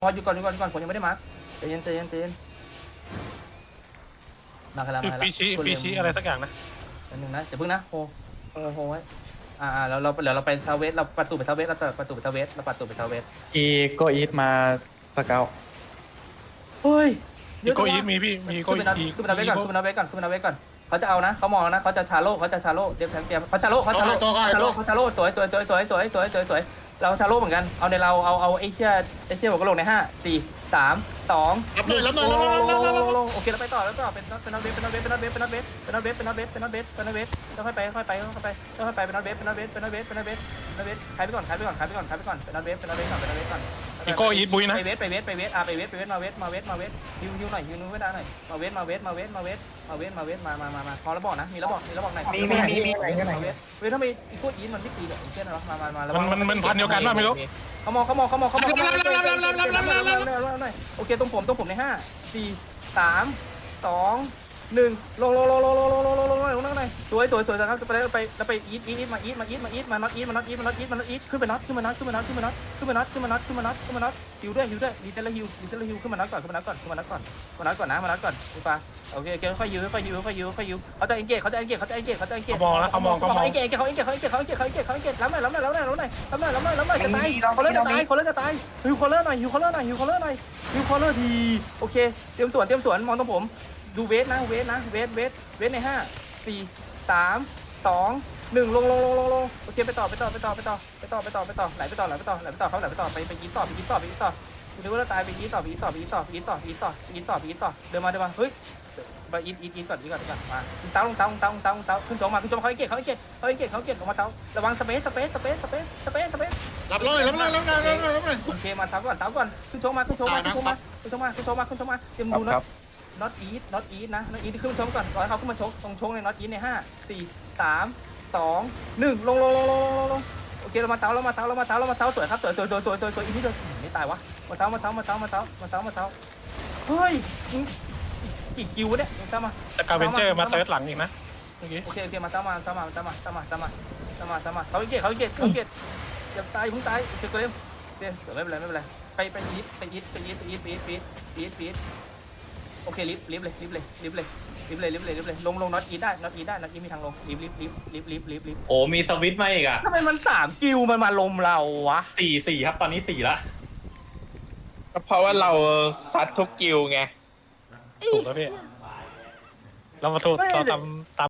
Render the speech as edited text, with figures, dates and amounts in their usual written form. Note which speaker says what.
Speaker 1: พออยู่ก่อนผมยังไม่ได้มาร์คใจเย็นมากันแล้ว
Speaker 2: ปีชี้อะไรสักอย่างนะ
Speaker 1: อันหนึ่งนะเดี๋ยวเพิ่งนะโฮไว้เราไปเซาเวสเราประตูไปเซาเวสเราประตูไปเซาเวส
Speaker 3: อีโกอีทมาสเกล
Speaker 1: เฮ้ย
Speaker 2: มีโกอีทมีพี่มีโกอีท
Speaker 1: ขึ้นมาเวสก่อนเขาจะเอานะเขามองนะเขาจะชาโล่เตรียมเขาชาโล่สวยเราชาโล่เหมือนกันเอาในเราเอาเอเชียหัวกะโหลกใน5 4 3 2
Speaker 4: รับหน่อย
Speaker 1: ลงโอเคแล้วไปต่อเป็นน็อตเวสค่อยไปเป็นน็อตเวสเป็นน็อตเวสขายไปก่อนเป็นน็อตเวสก่อน
Speaker 2: มีโกอีทบุยนะ
Speaker 1: ไปเวสมาเวสฮิวหน่อยฮิวนู้นไม่ได้หน่อยมาเวสมาพอแล้วบอกนะมีแล้วบอกไหนเวสทำไมอีโคอีนมันไม่ตีกับไอ้เช่นหรอมาแล้ว
Speaker 2: มันพันเดียวกันป่ะไม่รู้
Speaker 1: เขามองโอเคตรงผมใน5 4 3 2 1ลงนั่งหน่อยสวยครับไปอีทมาน็อตขึ้นไปน็อตฮิวด้วยดีเซลฮิวขึ้นมาน็อตก่อนมาน็อตก่อนดูป่ะโอเคค่อยฮิวเขาจะเอ็นเกจ
Speaker 2: มองแล้วเขามอง
Speaker 1: เอ็นเกจล้ำหน่อยจะตายคนเล่นจะตายฮิวคอลเลอร์หน่อยฮิวคอลเลอร์ทีโอเคเตรียมสวนมองตรงผมดูเวทใน5 4 3 2 1ลงโอเคไปต่อไหลไปต่อไปยิงต่อดูว่าตายไปยิงต่อเดินมาเฮ้ยไปยิงก่อนมาเต้าขึ้นโจมาเขาเก็บออกมาเต้าระวังสเปซ
Speaker 4: รับหน่อย
Speaker 1: โอเคมาเต้าก่อนขึ้นโจมาเตรียมดูน็อตอีทนะน็อตอีทขึ้นมาชกก่อนรอให้เขาขึ้นมาชกตรงชกในน็อตอีทใน5 4 3 2 1ลงโอเคเรามาเท้าสวยครับสวยอีนี่เดียวไม่ตายวะมาเท้าเฮ้ยกี่กิวเนี่ยมา
Speaker 2: แต่กาเวนเจอร์มาเติร์ดหลังอีกนะเมื่อกี้
Speaker 1: โอเคมาเท้าเขาเกตอย่าตายพึ่งตายเจ็บตัวเร็วไม่เป็นไรไปอีทโอเคลิฟเลยลงน็อตอีได้น็อตอีมีทางลงลิฟ
Speaker 3: โอ้มีสวิตช์มาอีกอ่ะ
Speaker 1: ทำไมมัน3กิวมันมาลมเราวะ
Speaker 3: 4ครับตอนนี้4ละ
Speaker 5: ก็เพราะว่าเราซัดทุกกิลไง
Speaker 2: ถูกแล้วพี่เรามาถูกเราตาม